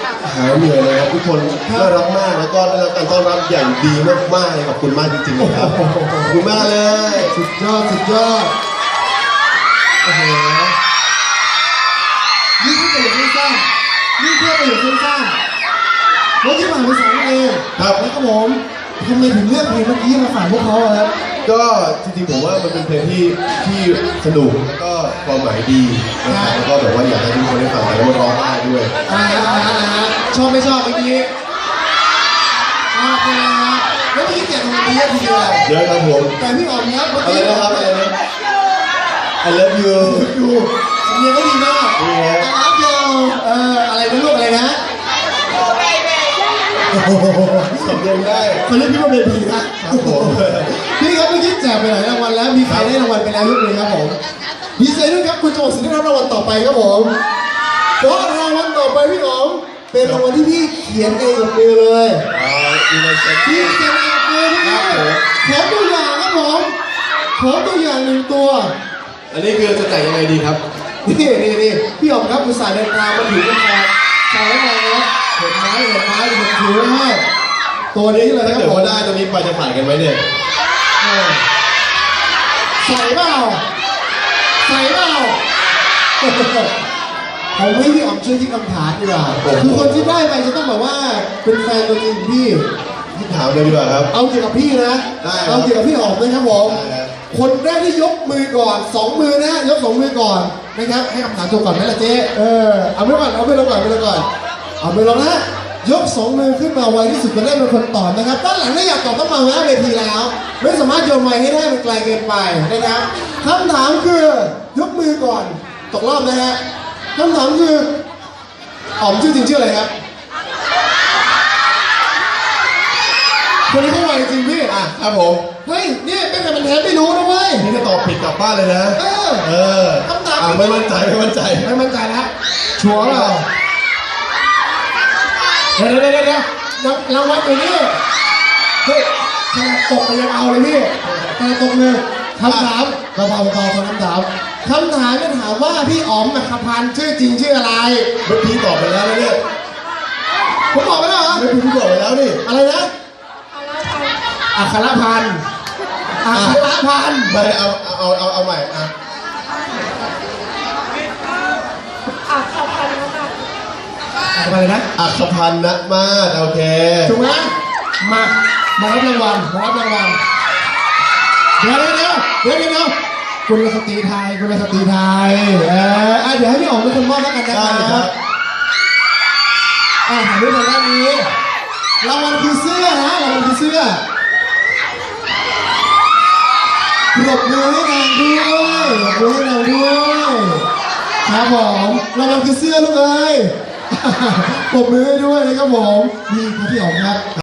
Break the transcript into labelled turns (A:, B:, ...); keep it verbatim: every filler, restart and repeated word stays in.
A: หายเหนื่อยเลยครับทุกคนน่ารักมากแล้วก็ได้รับการต้อนรับอย่างดีมากๆเลยขอบคุณมากจริงๆนะครับขอบคุณมากเลย
B: สุดยอดสุดยอดโอ้โหนี่แค่ประโยคสั้นๆนี่แค่ประโยคสั้นๆรถที่ผ่านไปสองเพลงครับแล้วก็ผมทำไมถึงเลือกเพลงเมื่อกี้มาฝากพวกเขาครับ
A: ก็จริงๆผมว่ามันเป็นเพลงที่ที่สนุกแล้วก็ความหมายดีนะครับแล้วก็แบบว่าอยากให้ทุกคนได้ฟังแล้วร้องได้ด้วย
B: อ่าชอบไม่ชอบเมื่อกี้ชอบนะครับแล้วเมื่อกี้เจ็บตรงนี้เยอะทีเดียว
A: เยอะครับผม
B: แต่พี่อ๋อมครับเมื่อ
A: กี้อะไรนะครับอะไรนะ I love you
B: ดูสำเนียงก็ดีมาก
A: ดีครับ
B: I love you เอ่ออะไรนะลูกอะไรนะ
A: สำเนียงได้
B: เขาเรียกพี่ว่าเบบีนะครับ
A: ผม
B: พี่ครับเมื่อกี้แจกไปหลายรางวัลแล้วมีใครได้รางวัลไปแล้วยกมือครับผมดีใจด้วยครับคุณโจสิได้รับรางวัลต่อไปครับผมเพราะรางวัลต่อไปพี่อ๋อมเป็นรางวัลที่พี่เขียนเองกับมือเลยพี่เขียนเองกับมือพี่ขอตัวอย่างครับผมขอตัวอย่างหนึ่งตัว
A: อันนี้คือจะแต่งยังไงดีครับ
B: นี่นี่นี่พี่อ๋อมครับคุณสายเดินทางมาถึงกันแล้วใส่แล้วไงนะเห็นไม้เห็นไม้เห็นถือให้ตัวนี้เลยครับ
A: ผมว่าได้ตัวนี้ไปจะผ่านกันไหมเนี่ย
B: ใส่เปล่าใส่เปล่าผมให้พี่อ๋อมช่วยที่คำถามดีกว่าคือคนที่ได้ไปจะต้องแบบว่าเป็นแฟนตัวจริงพี่
A: ที่ถามเลยดีกว่าครับ
B: เอาเกี่ยวกับพี่นะเอาเกี่ยวกับพี่อ๋อมนะครับผมคนแรกที่ยกมือก่อนสองมือนะยกสองมือก่อนนะครับให้คำถามจบก่อนไหมล่ะเจ๊เออเอาไม่ก่อนเอาไม่ลงก่อนไม่ลงก่อนเอาไม่ลงนะยกสองมือขึ้นมาไวที่สุดจะได้เป็นคนตอบนะครับด้านหลังถ้าอยากตอบต้องมาหน้าเวทีแล้วไม่สามารถโยนไมค์ให้ได้มันไกลเกินไปนะครับคำถามคือยกมือก่อนตกรอบนะฮะคำถามคืออ๋อมชื่อจริงชื่ออะไรครับคนนี้เขาไวจริงพี่
A: อ่ะครับผม
B: เฮ้ยนี่เป็นแต่มันแทนไม่รู้นะเว้ย
A: นี่จะตอบผิดกลับบ้านเลยนะ
B: เออ
A: เออ
B: คำถาม
A: ไม่มั่นใจไม่มั่นใจ
B: ไม่มั่นใจแล้วชัวร์เปล่าเดี๋ยวเดี๋ยวเดี๋ยวเดี๋ยวรางวัลอยู่นี่เฮ้ยขนาดตกไปยังเอาเลยพี่ขนาดตกเลยคำถามเบาๆเบาๆคำถามคำถามจะถามว่าพี่อ๋อมอัครพันธ์ชื่อจริงชื่ออะไร
A: เมื่อกี้ตอบไปแล้วนะเนี่ย
B: ผมบอกไปแล้วเหรอ
A: เมื่อกี้ตอบไปแล้วนี่
B: อะไรนะอัครพันธ์อัครพันธ์
A: ไม่เอาเอาเอาเอาใหม่อ่ะ
B: อัครพันธ์อะไรนะ
A: อัครพันธ์นะมาดโอเค
B: ถูกไหมมามารับรางวัลมารับรางวัลเดี๋ยวเดี๋ยวเดี๋ยวเดี๋ยวเดี๋ยวคุณสตรีไทยคุณสตรีไทยเออเดี๋ยวให้พี่อ๋อมเป็นคนมอบแล้วกันนะครับอ่าถ่ายรูปทางด้านนี้รางวัลคือเสื้อนะรางวัลคือเสื้อปรบมือให้นางด้วยปรบมือให้นางด้วยครับผมรางวัลคือเสื้อลูกเอ้ยปรบมือให้ด้วยนะครับผมดีครับพี่อ๋อมครับ